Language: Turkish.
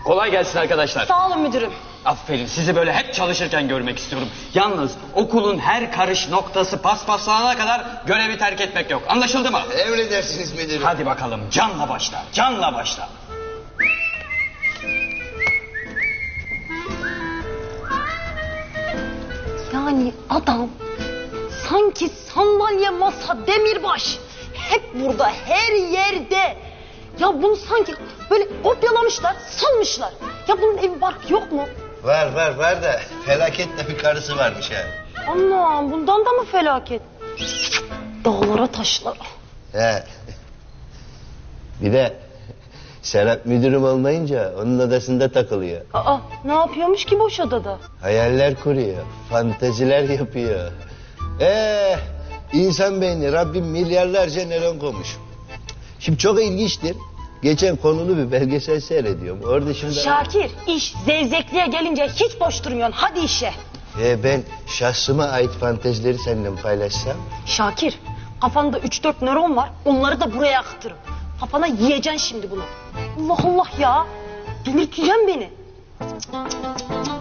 Kolay gelsin arkadaşlar. Sağ olun müdürüm. Aferin, sizi böyle hep çalışırken görmek istiyorum. Yalnız okulun her karış noktası paspaslanana kadar görevi terk etmek yok. Anlaşıldı mı? Emredersiniz müdürüm. Hadi bakalım, canla başla, canla başla. Yani adam sanki sandalye, masa, demirbaş hep burada, her yerde. Ya bunu sanki böyle kopyalamışlar, salmışlar. Ya bunun evi barkı yok mu? Var da felaketle bir karısı varmış ha. Anam, bundan da mı felaket? Dağlara taşlara. He. Bir de Serap müdürüm olmayınca onun odasında takılıyor. Aa, ne yapıyormuş ki boş odada? Hayaller kuruyor, fanteziler yapıyor. İnsan beyni Rabbim milyarlarca nöron koymuş. Şimdi çok ilginçtir. Geçen konulu bir belgesel seyrediyorum. Orada şimdi... Şakir, iş zevzekliğe gelince hiç boş durmuyorsun. Hadi işe. Ben şahsıma ait fantezileri seninle paylaşsam... Şakir, kafanda 3-4 nöron var. Onları da buraya akıtırım. Kafana yiyeceksin şimdi bunu. Allah Allah ya. Delirteceksin beni.